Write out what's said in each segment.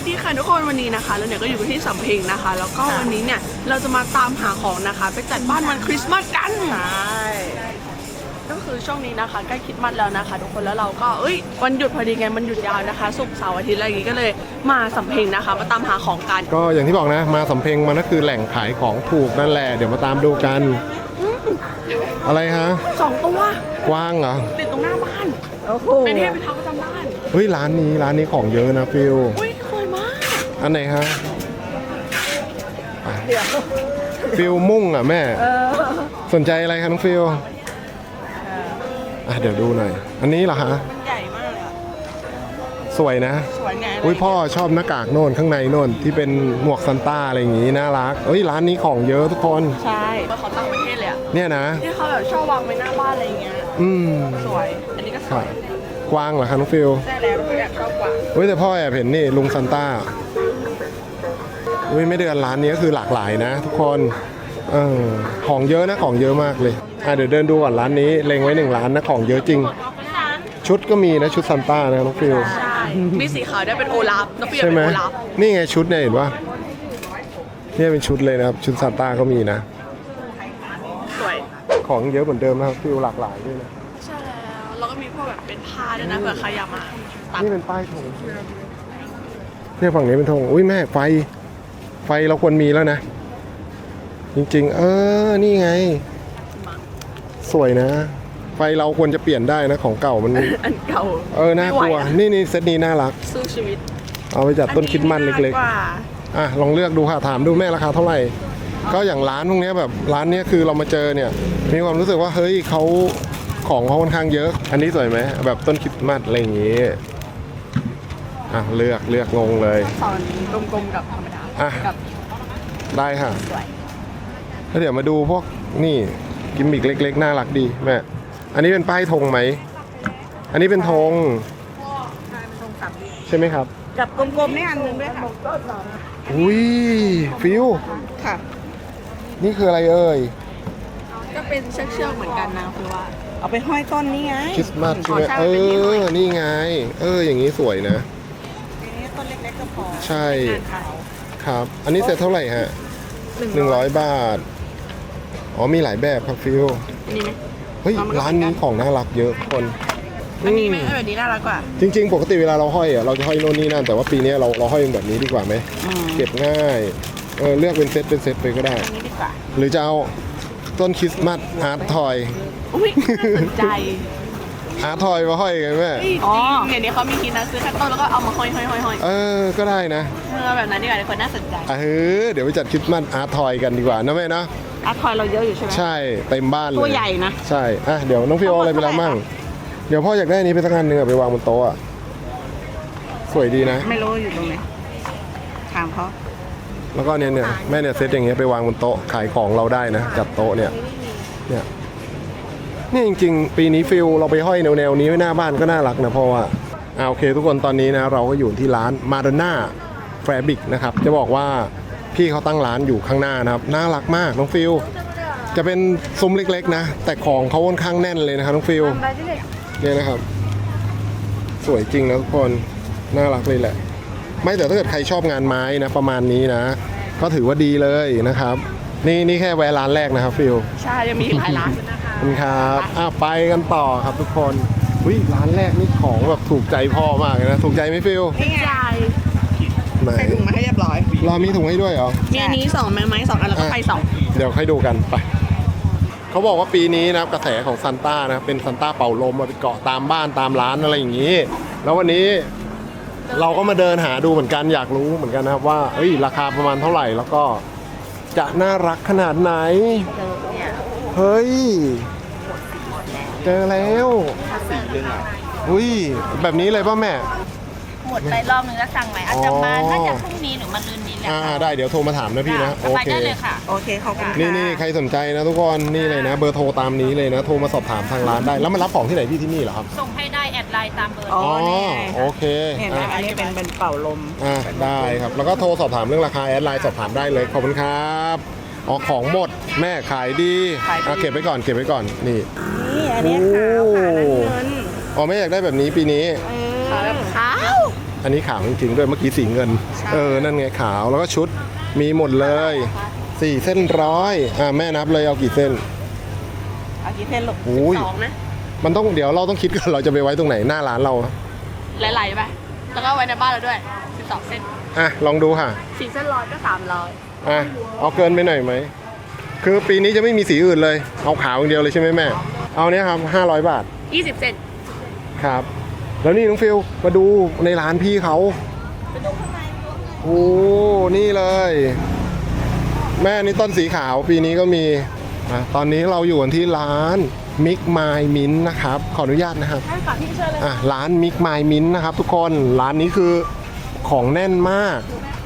ดีค่ะทุกคนวันนี้นะคะแล้วเนี่ยก็อยู่ที่สำเพ็งนะคะแล้วก็วันนี้เนี่ยเราจะมาตามหาของนะคะไปจัดบ้านวันคริสต์มาสกันใช่ก็คือช่วงนี้นะคะใกล้คริสต์มาสแล้วนะคะทุกคนแล้วเราก็วันหยุดพอดีไงมันหยุดยาวนะคะศุกร์เสาร์อาทิตย์อะไรอย่างงี้ก็เลยมาสำเพ็งนะคะมาตามหาของกันก็อย่างที่บอกนะมาสำเพ็งมันก็คือแหล่งขายของถูกนั่นแหละเดี๋ยวมาตามดูกันอะไรฮะ 2 ตัวกว้างเหรอติดตรงหน้าบ้านเป็นเทพเป็นเท้าประจำบ้านเฮ้ยร้านนี้ของเยอะนะฟิลสวยมากอันไหนฮะฟิลมุ่งอ่ะแม่สนใจอะไรคะน้องฟิลเดี๋ยวดูหน่อยอันนี้เหรอฮะใหญ่มากเลยสวยนะสวยไงพ่อชอบหน้ากากโน่นข้างในโน่นที่เป็นหมวกซันต้าอะไรอย่างงี้น่ารักร้านนี้ของเยอะทุกคนใช่เขาตั้งประเทศเลยอะเนี่ยนะที่เขาแบบชอบวางไว้หน้าบ้านอะไรอย่างเงี้ยสวยอันนี้ก็สวยกวางเหรอคะน้องฟิลใช่แล้วเราอยากชอบกวางแต่พ่อแอบเห็นนี่ลุงซันต้าไม่เดือนร้านนี้ก็คือหลากหลายนะทุกคนของเยอะนะของเยอะมากเลยเดี๋ยวเดินดูก่อนร้านนี้เล็งไว้1 ร้านนะของเยอะจริงชุดก็มีนะชุดซันต้านะน้องฟิลใช่มีสีขาวได้เป็นโอลาฟน้องฟิลใช่ไหมเป็นโอลาฟนี่ไงชุดเนี่ยเห็นปะเนี่ยเป็นชุดเลยนะครับชุดซันต้าก็มีนะสวยของเยอะเหมือนเดิมนะครับฟิลหลากหลายด้วยนะใช่แล้วก็มีพวกแบบเป็นผ้าด้วยนะเผื่อใครอยากมานี่เป็นป้ายธงเนี่ยฝั่งนี้เป็นธงแม่ไฟเราควรมีแล้วนะจริงๆนี่ไงสวยนะไฟเราควรจะเปลี่ยนได้นะของเก่ามันอันเก่าน่ากลัวนี่เซตนี้น่ารักสู้ชีวิตเอาไปจัดต้นคริสต์มาสเล็กๆลองเลือกดูค่ะถามดูแม่ราคาเท่าไหร่ก็อย่างร้านพวกนี้แบบร้านนี้คือเรามาเจอเนี่ยมีความรู้สึกว่าเฮ้ยเขาของเขาค่อนข้างเยอะอันนี้สวยไหมแบบต้นคริสต์มาสอะไรอย่างงี้เลือกงงเลยสอนกลมๆกับธรรมดากับได้ค่ะแล้วเดี๋ยวมาดูพวกนี่กิมมิกเล็กๆน่ารักดีแม่อันนี้เป็นป้ายธงไหมอันนี้เป็นธงใช่ไหมครับกับกลมๆนี่อันนึงด้วยค่ะฟิวค่ะนี่คืออะไรเอ่ยก็เป็นเชือกเหมือนกันนะคือว่าเอาไปห้อยต้นนี่ไงคริสต์มาสใช่ไหมนี่ไงอย่างนี้สวยนะต้นเล็กๆก็พอใช่ครับอันนี้เสร็จเท่าไหร่ฮะ100 บาทมีหลายแบบครับฟิวนี่ไหมร้านนี้ของน่ารักเยอะคนอันนี้ไหมแบบนี้น่ารักกว่าจริงๆปกติเวลาเราห้อยเราจะห้อยโน่นนี่นั่นแต่ว่าปีนี้เราห้อยแบบนี้ดีกว่าไหมเก็บง่ายเลือกเป็นเซตไปก็ได้หรือจะเอาต้นคริสต์มาสอาร์ตทอยน่าสนใจอาร์ตทอยมาห้อยกันแม่เดี๋ยวนี้เขามีกินนะซื้อแค่ต้นแล้วก็เอามาห้อยก็ได้นะแบบนั้นดีกว่าคนน่าสนใจเดี๋ยวไปจัดคริสต์มาสอาร์ตทอยกันดีกว่านะแม่นะอาร์ตทอยเราเยอะอยู่ใช่ไหมใช่เต็มบ้านเลยตัวใหญ่นะใช่เดี๋ยวน้องฟิวอะไรไปแล้วมั่งเดี๋ยวพ่ออยากได้นี้ไปสักอันนึงไปวางบนโต๊ะสวยดีนะไม่รู้อยู่ตรงไหนถามเขาแล้วก็เนี่ยแม่เซตอย่างเงี้ยไปวางบนโต๊ะขายของเราได้นะจัดโต๊ะเนี่ยจริงๆปีนี้ฟิลเราไปห้อยแนวนี้ไว้หน้าบ้านก็น่ารักนะเพราะว่าโอเคทุกคนตอนนี้นะเราก็อยู่ที่ร้านมาดอนน่าแฟร์บิกนะครับจะบอกว่าพี่เขาตั้งร้านอยู่ข้างหน้านะครับน่ารักมากน้องฟิลจะเป็นซุ้มเล็กๆนะแต่ของเขาค่อนข้างแน่นเลยนะครับน้องฟิลเนี่ยนะครับสวยจริงนะทุกคนน่ารักเลยแหละไม่แต่ถ้าเกิดใครชอบงานไม้นะประมาณนี้นะก็ถือว่าดีเลยนะครับนี่แค่แวะร้านแรกนะครับฟิลใช่จะมีหลายร้านนะคะครับไปกันต่อครับทุกคนร้านแรกนี่ของแบบถูกใจพ่อมากเลยนะถูกใจไหมฟิลถูกใจไหนใส่ถุงมาให้เรียบร้อยเรามีถุงให้ด้วยเหรอมีอันนี้2ไม้2อันแล้วก็ไฟ2 เดี๋ยวให้ดูกันไปเขาบอกว่าปีนี้นะกระแสของซันต้านะเป็นซันต้าเป่าลมมาไปเกาะตามบ้านตามร้านอะไรอย่างนี้แล้ววันนี้เราก็มาเดินหาดูเหมือนกันอยากรู้เหมือนกันนะครับว่าราคาประมาณเท่าไหร่แล้วก็จะน่ารักขนาดไหนเฮ้ยเจอแล้วแบบนี้เลยป่ะแม่หมดไปรอบนึงแล้วสั่งใหม่อาจจะมาน่าจะพรุ่งนี้หรือมะรืนนี้แหละได้เดี๋ยวโทรมาถามนะพี่นะโอเคได้เลยค่ะโอเคขอบคุณนี่ใครสนใจนะทุกคนนี่เลยนะเบอร์โทรตามนี้เลยนะโทรมาสอบถามทางร้านได้แล้วมารับของที่ไหนพี่ที่นี่เหรอครับส่งให้ได้แอดไลน์ตามเบอร์โอเคอันนี้เป็นเป่าลมได้ครับแล้วก็โทรสอบถามเรื่องราคาแอดไลน์สอบถามได้เลยขอบคุณครับของหมดแม่ขายดีเก็บไว้ก่อนนี่อันนี้ขาวเงินไม่อยากได้แบบนี้ปีนี้ขาวแบบขาวอันนี้ขาวจริงๆด้วยเมื่อกี้สีเงิน นั่นไงขาวแล้วก็ชุดมีหมดเลย4 เส้นร้อยแม่นับเลยเอากี่เส้นเอากี่เส้นลูกอุ้ย 2นะมันต้องเดี๋ยวเราต้องคิดกันเราจะไปไว้ตรงไหนหน้าร้านเราไหลๆไปแล้วก็ไว้ในบ้านเราด้วย12เส้นลองดูค่ะ 4 เส้นร้อยก็300 เอาเกินไปหน่อยไหมคือปีนี้จะไม่มีสีอื่นเลยเอาขาวอย่างเดียวเลยใช่ไหมแม่เอาเนี้ยครับ500 บาท 20 เส้นครับ แล้วนี่น้องฟิลมาดูในร้านพี่เขาโอ้นี่เลย แม่นี่ต้นสีขาวปีนี้ก็มีตอนนี้เราอยู่กันที่ร้านมิกไมมินนะครับขออนุญาตนะครับให้ฝากพี่เชิญเลยร้านมิกไมมินนะครับทุกคนร้านนี้คือของแน่นมาก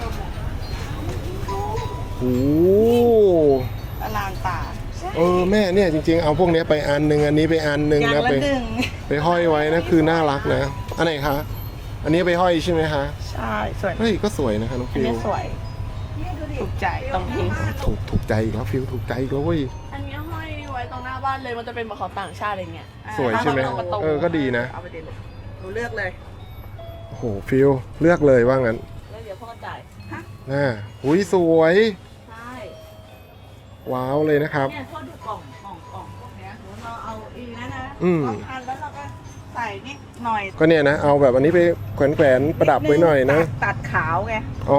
โอ้อลานตาแม่เนี่ยจริงๆเอาพวกนี้ไปอันหนึ่งอันนี้ไปอันหนึ่งอย่างนะละไปห้อยไว้นะคือน่ารักนะอันไหนคะอันนี้ไปห้อยใช่ไหมคะใช่สวยเฮ้ยก็สวยนะคะน้องอันฟิลนี้สวยถูกใจตรงนี้ถูกใจอีกแล้วฟิลถูกใจอีกแล้วเว้ยอันนี้ห้อยไว้ตรงหน้าบ้านเลยมันจะเป็นเหมือนของต่างชาติอะไรเงี้ยสวยใช่ไหมประตูก็ดีนะเอาไปเด็ดเลยหนูเลือกเลยโอ้โหฟิลเลือกเลยว่างั้นแล้วเดี๋ยวพ่อจ่ายอุ้ยสวยใช่ว้าวเลยนะครับเนี่ยพ่อดูกล่องพวกเนี้ยหนูเอาอีนั่นนะอืมพันแล้วเราก็ใส่นิดหน่อยก็เนี่ยนะเอาแบบอันนี้ไปแขวนๆประดับไว้หน่อยนะตัดขาวไงอ๋อ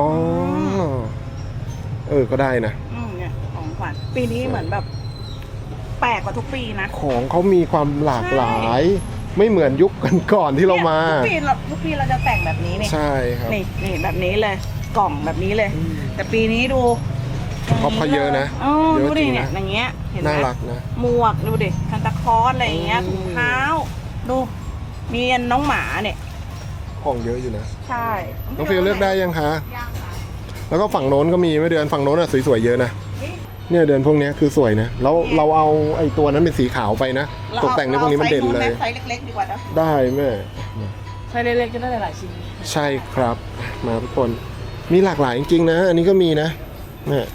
ก็ได้นะเนี่ยของขวัญปีนี้เหมือนแบบ แปลกกว่าทุกปีนะของเขามีความหลากหลาย ไม่เหมือนยุคก่อนๆที่เรามาเนี่ยทุกปีเราจะแต่งแบบนี้นี่ใช่ครับนี่แบบนี้เลย กล่องแบบนี้เลย แต่ปีนี้ดูเขาเยอะนะอ๋อเยดูอะจดิริงเนี่ยนะอย่างเงี้ยเห็นไหมน่ารักนะหมวกดูดิซันตาคลอสอะไรอย่างเงี้ยอืมถุงเท้าดูมีอันน้องหมาเนี่ยของเยอะอยู่นะใช่น้องฟิลเลือกได้ยังคะ แล้วก็ฝั่งโน้นก็มีไม่เดือนฝั่งโน้นอะสวยๆเยอะนะเนี่ยเดือนพวกเนี้ยคือสวยนะแล้วเราเอาไอ้ตัวนั้นเป็นสีขาวไปนะตกแต่งในพวกนี้มันเด่นเลยไซส์เล็กๆดีกว่านะได้แม่ใช้เล็กๆจะได้หลายๆชิ้นใช่ครับมาทุกคนมีหลากหลายจริงๆนะ อันนี้ก็มีนะแม่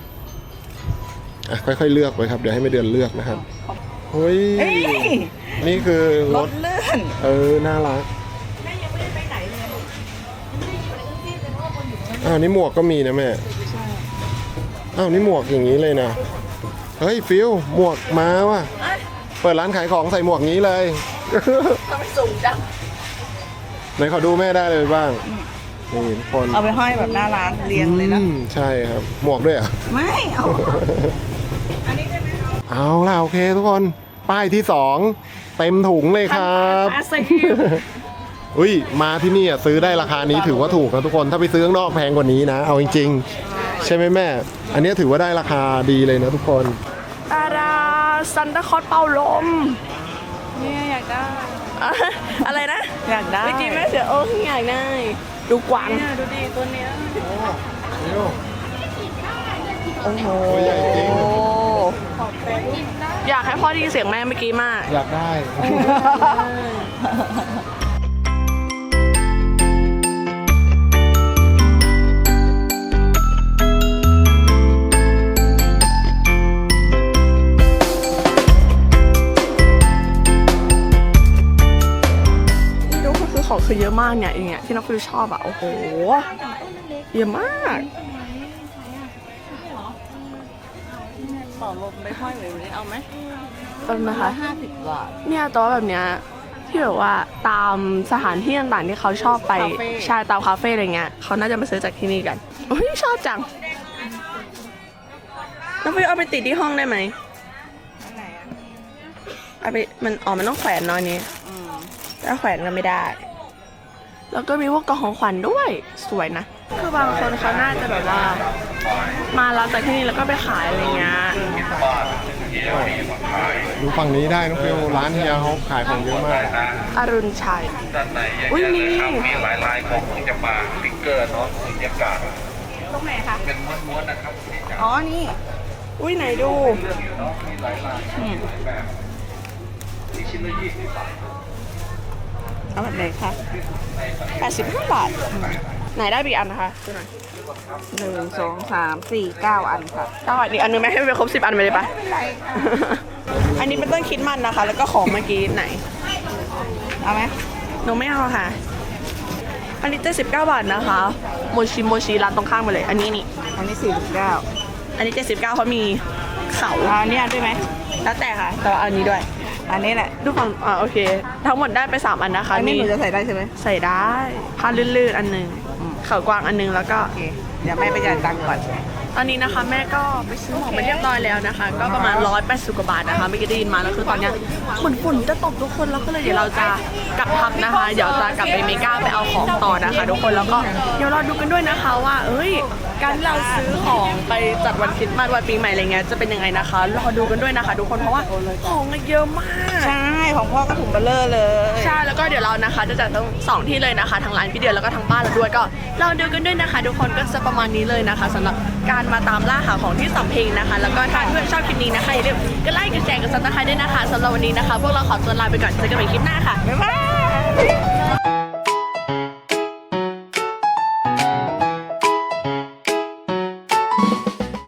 ค่อยๆเลือกไปครับเดี๋ยวให้แม่เดือนเลือกนะครับเฮ้ยเอ้ยนี่คือรรถถเลื่อนน่ารักแม่ยังไม่ได้ไปไหนเลยนี่หมวกก็มีนะแม่นี่หมวกอย่างนี้เลยนะเฮ้ยฟิลหมวกมาว่ะเปิดร้านขายของใส่หมวกงี้เลยทำไมสูงจังไหนขอดูแม่ได้เลยบ้างนี่ทุกคนเอาไปห้อยแบบหน้าร้านเรียงเลยนะใช่ครับหมวกด้วยเหรอ่ะไม่เอาอันนี้ได้ไหมเอาเอาล่ะโอเคทุกคนป้ายที่2เต็มถุงเลยครับอาซีอุ้ยมาที่นี่ซื้อได้ราคานี้ถือว่าถูกนะทุกคนถ้าไปซื้อข้างนอกแพงกว่านี้นะเอาจริงๆใช่ไหมแม่ อันนี้ถือว่าได้ราคาดีเลยนะทุกคนตาดาซันตาคลอสเป่าลมเนี่ยอยากได้อะไรนะอยากได้เมื่อกี้แม่เสืออยากได้ ดูกวางเนี่ยดูดิตัวเนี้ยโอ้โหตัวใหญ่จริงอยากให้พ่อได้ยินเสียงแม่เมื่อกี้มากอยากได้นี่ดูก็คือของคือเยอะมากเนี่ยอย่างเงี้ยที่น้องฟิวชอบอ่ะโอ้โหเยอะมากต่อลมไปห้อยแบบนี้เอาไหมต้นนะคะ 50 บาทเนี่ยตัวแบบเนี้ยที่แบบว่าตามสถานที่ต่างๆที่เขาชอบไปคาเฟ่ใช่ตามคาเฟ่อะไรเงี้ยเขาน่าจะมาซื้อจากที่นี่กันโอ้ยชอบจังน้องฟิวเอาไปติดที่ห้องได้ไหมอันไหนอ่ะเอาไปมันมันต้องแขวนเนอนนี้ ถ้าแขวนก็ไม่ได้ แล้วก็มีพวกกล่องของขวัญด้วย สวยนะ คือบางคนเขาน่าจะแบบว่า มารับจากที่นี่แล้วก็ไปขายอะไรเงี้ยดูฝั่งนี้ได้น้องฟิวร้านเฮียเขาขายของเยอะมากอรุณชัยด้านในอย่างอุ๊ยเงี้ยมีนะครับมีหลายลายของของจะมาสติ๊กเกอร์เนาะบรรยากาศตรงไหนคะเป็นม้วนๆนะครับอ๋อ นี่อุ้ยไหนดูเรื่องอยู่เนาะมีหลายลายหลายแบบอีกชิ้นละ20 บาทเอาแบบไหนคะ85 บาท ไหนได้อีกอันนะคะดูหน่อย 1 2 3 4 9 อันค่ะได้อีกอันนึงไหมให้ไปครบ10 อันไปเลยปะไม่เป็นไรค่ะอันนี้เป็นต้นคริดมันนะคะ แล้วก็ของเมื่อกี้ไหนเอาไหมหนูไม่เอาค่ะอันนี้79 บาทนะคะโมชิร้านตรงข้ามมาเลยอันนี้นี่อันนี้49 อันนี้79เขามีเขาอันนี้ด้วยไหมแล้วแต่ค่ะแต่ว่าอันนี้ด้วยอันนี้แหละดูฝั่งโอเค ทั้งหมดได้ไป3อันนะคะอันนี้หนูจะใส่ได้ใช่ไหมใส่ได้ผ้าลื่นๆอันหนึงเขากวางอันหนึงแล้วก็โอเคเดี๋ยวแม่ไปจ่ายตังค์ก่อนตอนนี้นะคะแม่ก็ไปซื้อของมาเรียบร้อยแล้วนะคะ ก็ประมาณ180 กว่าบาทนะคะไม่กี่ได้ยินมาแล้วคือตอนเนี้ยเหมือนฝนจะตกทุกคนแล้วก็เลยเดี๋ยวเราจะกลับพักนะคะ เดี๋ยวจะกลับไปเมกาไปเอาของต่อนะคะทุกคนแล้วก็เดี๋ยวเราดูกันด้วยนะคะว่าการที่เราซื้อของไปจัดวันคริสต์มาสวันปีใหม่อะไรเงี้ยจะเป็นยังไงนะคะรอดูกันด้วยนะคะทุกคนเพราะว่าของเยอะมากใช่ของพ่อก็ถุงเบลเลอร์เลยใช่แล้วก็เดี๋ยวเรานะคะจะจัดทั้งสองที่เลยนะคะทั้งร้านพี่เดียวแล้วก็ทั้งบ้านเราด้วยก็เราดูกันด้วยนะคะทุกคนก็จะประมาณนี้เลยนะคะสำหรับการมาตามล่าหาของที่สำเพ็งนะคะแล้วก็ถ้าเพื่อนชอบคลิปนี้นะคะอย่าลืมกดไลค์กดแชร์กดซับสไครต์ด้วยนะคะสำหรับวันนี้นะคะพวกเราขอตัวลาไปก่อนเจอกันใหม่คลิปหน้าค่ะบ๊ายบาย